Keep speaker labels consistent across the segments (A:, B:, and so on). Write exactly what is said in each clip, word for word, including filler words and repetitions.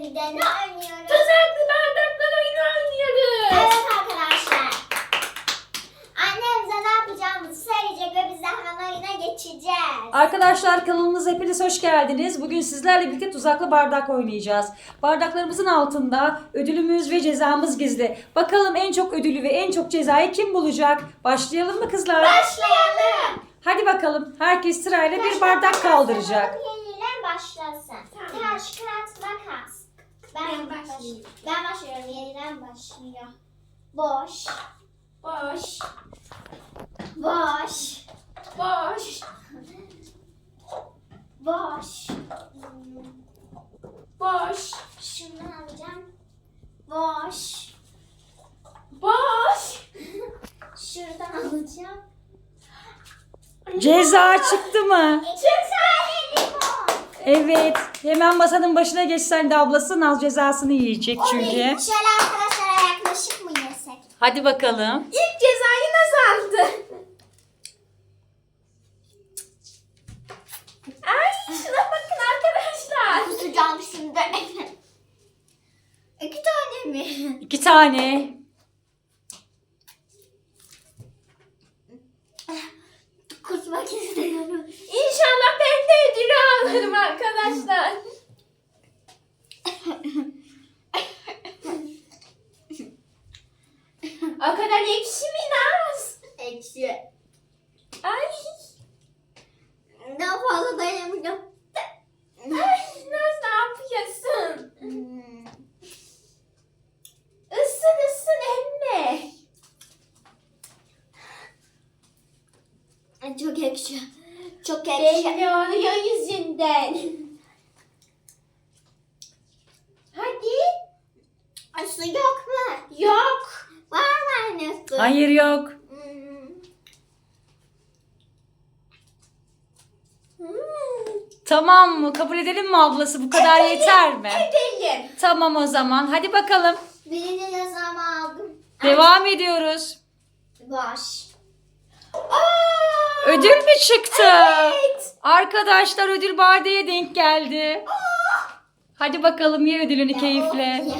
A: bir de ne oynuyoruz?
B: Tuzaklı bardaklar oyunu oynuyoruz.
A: Evet arkadaşlar. Annem bize ne yapacağımızı söyleyecek ve biz de hemen oyuna geçeceğiz.
C: Arkadaşlar kanalımıza hepiniz hoş geldiniz. Bugün sizlerle birlikte tuzaklı bardak oynayacağız. Bardaklarımızın altında ödülümüz ve cezamız gizli. Bakalım en çok ödülü ve en çok cezayı kim bulacak? Başlayalım mı kızlar?
A: Başlayalım.
C: Hadi bakalım. Herkes sırayla bir bardak kaldıracak.
A: Yenilen başlasın.
B: Tamam.
A: Taş, kağıt, makas. Ben,
B: Ben
A: baş-
B: başlayayım.
A: Ben başlıyorum. Yenilen başlıyor. Boş.
B: Boş.
A: Boş.
B: Boş.
A: Boş. Hmm,
B: Boş.
A: Şunu alacağım. Boş.
B: Boş.
A: Şuradan alacağım.
C: Ceza çıktı mı?
A: İki tane limon.
C: Evet. Hemen masanın başına geçsen de ablası Naz cezasını yiyecek çünkü.
A: Şöyle arkadaşlara yaklaşık mı yesek?
C: Hadi bakalım.
B: İlk cezayı nasıl aldı? Ay şuna bakın arkadaşlar.
A: Kusacağım şimdi. İki tane mi?
C: İki tane.
A: Kusmak istiyorum.
B: İnşallah ben de ödülü alırım arkadaşlar. O kadar ekşi mi Naz?
A: Ekşi.
B: Ay.
A: Daha fazla dayanamayacağım.
B: Ay Naz ne yapıyorsun?
A: Hmm.
B: Isın ısın emme.
A: Ay, çok ekşi. Çok ekşi.
B: Belli oluyor yüzünden. Hadi.
A: Ay, su yok mu?
B: Yok.
A: Var mı anne su?
C: Hayır yok.
A: Hmm.
B: Hmm.
C: Tamam mı? Kabul edelim mi ablası? Bu kadar yeter mi?
B: Edelim.
C: Tamam o zaman. Hadi bakalım.
A: Birini cezamı aldım.
C: Devam ediyoruz.
A: Boş.
B: Aa,
C: Ödül mü çıktı?
B: evet.
C: Arkadaşlar ödül Bade'ye denk geldi. Hadi bakalım ye ödülünü keyifle.
A: Ya.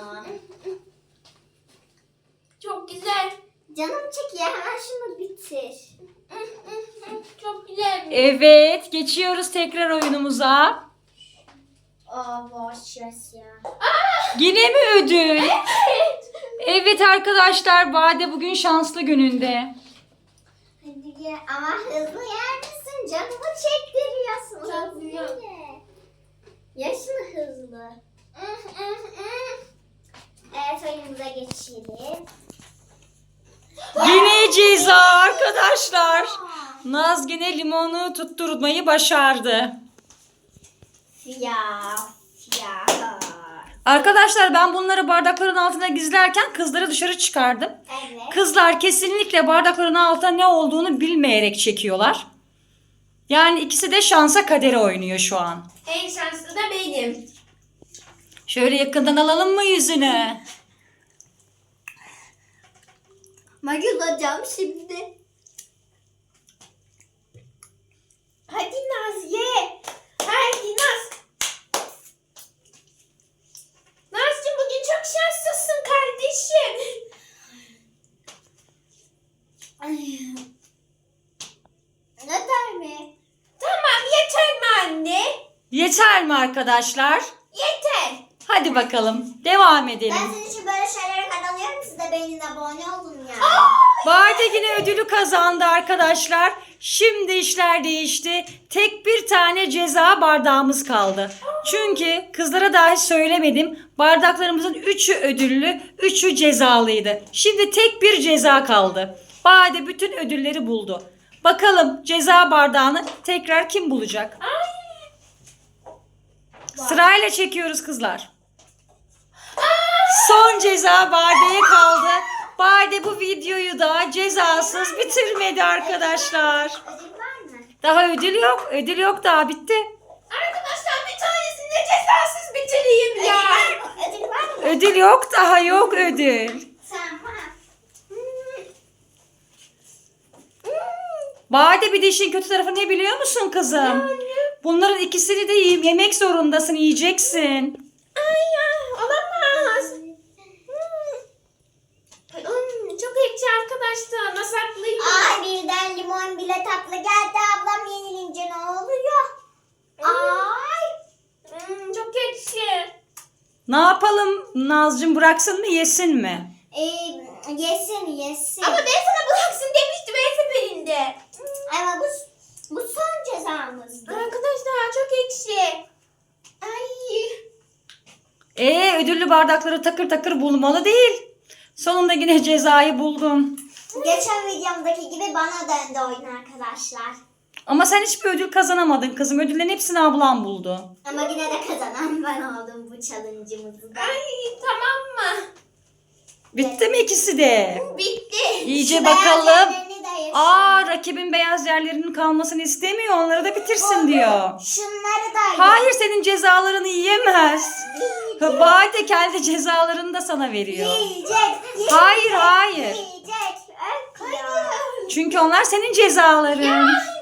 B: Çok güzel.
A: Canım çekiyor. Hemen şunu bitir.
B: Çok güzel.
C: Evet, geçiyoruz tekrar oyunumuza.
A: Aa, boş yes ya.
C: Yine mi ödül?
B: Evet.
C: Evet arkadaşlar, Bade bugün şanslı gününde.
A: Hadi ye. Ama hızlı yer misin? Canımı çektiriyorsun.
B: Çok
A: Hızlı
B: güzel.
A: ye. Ye şunu hızlı. Evet, oyunumuza geçelim.
C: Yine ceza arkadaşlar. Naz yine limonu tutturmayı başardı.
A: Siyah. Siyah.
C: Arkadaşlar ben bunları bardakların altına gizlerken kızları dışarı çıkardım.
A: Evet.
C: Kızlar kesinlikle bardakların altında ne olduğunu bilmeyerek çekiyorlar. Yani ikisi de şansa kadere oynuyor şu an.
B: En şanslı da benim.
C: Şöyle yakından alalım mı yüzünü?
A: Magılacağım şimdi.
B: Hadi Naz ye. Hadi Naz. Nazcığım bugün çok şanslısın kardeşim.
A: Ay. Ne der mi?
B: Tamam yeter mi anne?
C: Yeter mi arkadaşlar?
B: Yeter.
C: Hadi bakalım devam edelim.
A: Ben senin için böyle şeylere kanalıyorum. Siz de benim abone olun ya.
C: Bade yine ödülü kazandı arkadaşlar. Şimdi işler değişti. Tek bir tane ceza bardağımız kaldı. Çünkü kızlara dahi söylemedim. Bardaklarımızın üçü ödüllü, üçü cezalıydı. Şimdi tek bir ceza kaldı. Bade bütün ödülleri buldu. Bakalım ceza bardağını tekrar kim bulacak? Sırayla çekiyoruz kızlar. Son ceza Bade'ye kaldı. Bade bu videoyu da cezasız bitirmedi arkadaşlar.
A: Ödül var mı?
C: Daha ödül yok. Ödül yok daha bitti.
B: Arkadaşlar bir tanesini de cezasız bitireyim ya.
A: Ödül var mı?
C: Ödül yok daha yok ödül.
A: Tamam.
C: Bade bir de işin kötü tarafı ne biliyor musun kızım? Bunların ikisini de yiyip yemek zorundasın, yiyeceksin.
B: Ay ya olamaz. Hmm. Hmm, çok ekşi arkadaşlar. Nasıl haklıyım?
A: Ay birden limon bile tatlı geldi. Ablam yenilince ne oluyor? Ay.
B: Hmm, çok ekşi.
C: Ne yapalım Nazcığım, bıraksın mı yesin mi?
A: Ee, yesin yesin.
B: Ama ben sana bıraksın demiştim her seferinde.
A: Ama bu, bu son cezamızdı.
B: Arkadaşlar çok ekşi. Ay.
C: Ee ödüllü bardakları takır takır bulmalı değil. Sonunda yine cezayı buldum.
A: Geçen videomdaki gibi bana döndü oyun arkadaşlar.
C: Ama sen hiçbir ödül kazanamadın kızım. Ödüllerin hepsini ablam buldu.
A: Ama yine de kazanan ben oldum bu challenge'ımızı da.
B: Ay tamam mı?
C: Bitti mi ikisi de?
B: Bitti.
C: İyice
A: Şu beyaz
C: bakalım.
A: yerlerini de yaşayın.
C: Aa, rakibin beyaz yerlerinin kalmasını istemiyor. Onları da bitirsin diyor.
A: Şunları da
C: Hayır, senin cezalarını yiyemez. Vay de kendi cezalarını da sana veriyor.
A: Yiyecek. yiyecek,
C: Hayır, hayır.
A: Yiyecek. Öf ya.
C: Çünkü onlar senin cezaların.
B: Ya